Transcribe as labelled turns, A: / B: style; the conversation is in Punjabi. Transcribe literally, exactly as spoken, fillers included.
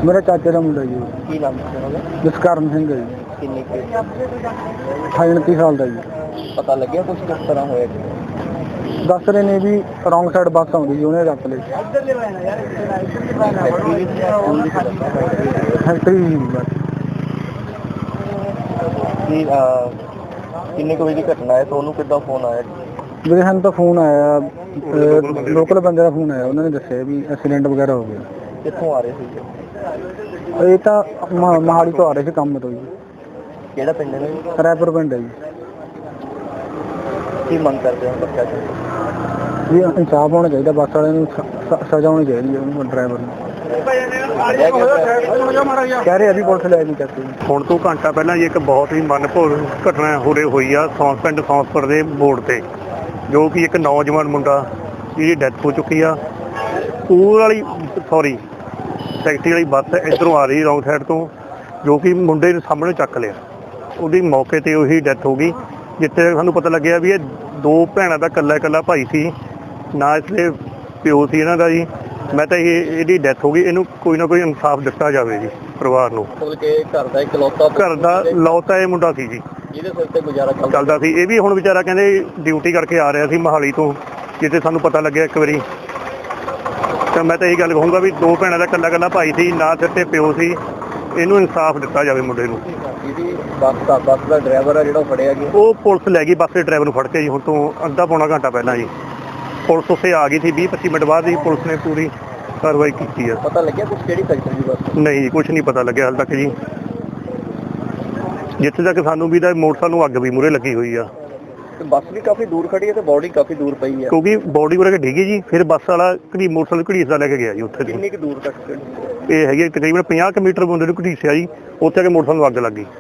A: मेरा चाचे का मुंडा जी।
B: ਕੀ ਨਾਮ ਸੀ ਉਹਨਾਂ ਦਾ?
A: जसकरण सिंह है जी।
B: ਕਿੰਨੀ ਕੁ
A: अठाई उनतीस साल का जी।
B: ਪਤਾ ਲੱਗਿਆ ਕੁਝ ਕਿਸ ਤਰ੍ਹਾਂ ਹੋਇਆ ਜੀ?
A: दस रहे ने भी रॉन्ग साइड बस आती जी, उन्हें रख ली फैक्ट्री जी बस।
B: ਕੀ ਅਹ, ਕਿੰਨੇ ਕੁ ਵਜੇ ਦੀ ਘਟਨਾ ਹੈ? ਤੁਹਾਨੂੰ ਕਿੱਦਾਂ ਫੋਨ ਆਇਆ ਜੀ?
A: मेरे सानू तो फोन आया, लोकल बंदे का फोन आया, उन्होंने दसिया भी एक्सीडेंट वगैरह हो गया।
B: ਕਿੱਥੋਂ ਆ ਰਹੇ ਸੀ?
A: ये तो मोहाली तो आ रहे थे काम तो जी।
B: ਕਿਹੜਾ ਪਿੰਡ ਹੈ?
A: रैपुर पिंड है जी।
B: ਕੀ ਮੰਗ ਕਰਦੇ ਹੋ ਬੱਚਾ ਜੀ?
A: जी इंसाफ होना चाहिए, बस वाले सजा होनी चाहिए ड्राइवर ਨੂੰ। कह रहे अभी पुलिस ले नहीं करती।
C: ਹੁਣ ਤੋਂ ਘੰਟਾ ਪਹਿਲਾਂ ਜੀ ਇੱਕ ਬਹੁਤ ਹੀ ਮਨਭੋਗ ਘਟਨਾ ਹੋਰੇ ਹੋਈ ਆ ਸੌਂਸ ਪਿੰਡ ਸੌਂਸਪੁਰ ਦੇ ਮੋੜ ਤੇ, ਜੋ ਕਿ ਇੱਕ ਨੌਜਵਾਨ ਮੁੰਡਾ ਜਿਹਦੀ ਡੈਥ ਹੋ ਚੁੱਕੀ ਆ। ਸਕੂਲ ਵਾਲੀ ਸੌਰੀ ਟੈਕਸੀ ਵਾਲੀ ਬੱਸ ਇੱਧਰੋਂ ਆ ਰਹੀ ਰੌਂਗ ਸਾਈਡ ਤੋਂ, ਜੋ ਕਿ ਮੁੰਡੇ ਨੂੰ ਸਾਹਮਣੇ ਚੱਕ ਲਿਆ। ਉਹਦੀ ਮੌਕੇ 'ਤੇ ਉਹੀ ਡੈਥ ਹੋ ਗਈ। ਜਿੱਥੇ ਸਾਨੂੰ ਪਤਾ ਲੱਗਿਆ ਵੀ ਇਹ ਦੋ ਭੈਣਾਂ ਦਾ ਇਕੱਲਾ ਇਕੱਲਾ ਭਾਈ ਸੀ, ਨਾ ਇਸਦੇ ਪਿਓ ਸੀ ਇਹਨਾਂ ਦਾ ਜੀ। ਮੈਂ ਤਾਂ ਇਹ ਇਹਦੀ ਡੈਥ ਹੋ ਗਈ, ਇਹਨੂੰ ਕੋਈ ਨਾ ਕੋਈ ਇਨਸਾਫ ਦਿੱਤਾ ਜਾਵੇ ਜੀ ਪਰਿਵਾਰ ਨੂੰ।
B: ਮਤਲਬ ਕਿ ਘਰ ਦਾ ਇਕਲੌਤਾ
C: ਘਰ ਦਾ ਲੌਤਾ ਇਹ ਮੁੰਡਾ ਸੀ ਜੀ,
B: ਜਿਹਦੇ ਸਿਰ ਤੇ ਗੁਜ਼ਾਰਾ
C: ਚੱਲਦਾ ਸੀ। ਇਹ ਵੀ ਹੁਣ ਵਿਚਾਰਾ ਕਹਿੰਦੇ ਡਿਊਟੀ ਕਰਕੇ ਆ ਰਿਹਾ ਸੀ ਮੋਹਾਲੀ ਤੋਂ, ਜਿੱਥੇ ਸਾਨੂੰ ਪਤਾ ਲੱਗਿਆ ਇੱਕ ਵਾਰੀ। ਤਾਂ ਮੈਂ ਤਾਂ ਇਹੀ ਗੱਲ ਕਹੂੰਗਾ ਵੀ ਦੋ ਭੈਣਾਂ ਦਾ ਇਕੱਲਾ ਇਕੱਲਾ ਭਾਈ ਸੀ, ਨਾ ਸਿਰ ਤੇ ਪਿਓ ਸੀ। ਇਹਨੂੰ ਇਨਸਾਫ ਦਿੱਤਾ ਜਾਵੇ ਮੁੰਡੇ ਨੂੰ।
B: ਜਿਹਦੀ ਬੱਸ ਦਾ ਬੱਸ ਦਾ ਡਰਾਈਵਰ ਆ ਜਿਹੜਾ ਉਹ ਫੜਿਆ ਗਿਆ,
C: ਉਹ ਪੁਲਿਸ ਲੈ ਗਈ ਬੱਸ ਦੇ ਡਰਾਈਵਰ ਨੂੰ ਫੜ ਕੇ ਜੀ, ਹੁਣ ਤੋਂ ਅੱਧਾ ਪੌਣਾ ਘੰਟਾ ਪਹਿਲਾਂ ਜੀ ਪੁਲਿਸ ਉੱਥੇ ਆ ਗਈ ਸੀ। ਵੀਹ ਪੱਚੀ ਮਿੰਟ ਬਾਅਦ ਹੀ ਪੁਲਿਸ ਨੇ ਪੂਰੀ ਕਾਰਵਾਈ ਕੀਤੀ ਆ।
B: ਪਤਾ ਲੱਗਿਆ ਕੁਝ ਕਿਹੜੀ ਫੈਕਟਰੀ ਦੀ ਬੱਸ?
C: ਨਹੀਂ, ਕੁਛ ਨਹੀਂ ਪਤਾ ਲੱਗਿਆ ਹਾਲੇ ਤੱਕ ਜੀ। ਜਿੱਥੇ ਤੱਕ ਸਾਨੂੰ ਵੀ ਦਾ ਮੋਟਰਸਾਈਕਲ ਨੂੰ ਅੱਗ ਵੀ ਮੂਹਰੇ ਲੱਗੀ ਹੋਈ ਆ,
B: ਤੇ ਬੱਸ ਵੀ ਕਾਫੀ ਦੂਰ ਖੜੀ ਹੈ ਤੇ ਬੋਡੀ ਕਾਫੀ ਦੂਰ ਪਈ ਹੈ,
C: ਕਿਉਂਕਿ ਬੋਡੀ ਉਰੇ ਡਿੱਗੀ ਜੀ। ਫਿਰ ਬੱਸ ਵਾਲਾ ਘੜੀ ਮੋਟਰਸਾਈਕਲ ਘੜੀਸਦਾ ਲੈ ਕੇ ਗਿਆ ਜੀ ਉੱਥੇ ਦੀ।
B: ਕਿੰਨੀ ਕੁ ਦੂਰ ਤੱਕ?
C: ਇਹ ਹੈਗੀ ਤਕਰੀਬਨ ਪੰਜਾਹ ਕੁ ਮੀਟਰ ਬੰਦੇ ਨੂੰ ਘੜੀਸਿਆ ਜੀ, ਉੱਥੇ ਆ ਕੇ ਮੋਟਰਸਾਈਕਲ ਨੂੰ ਅੱਗ ਲੱਗ ਗਈ।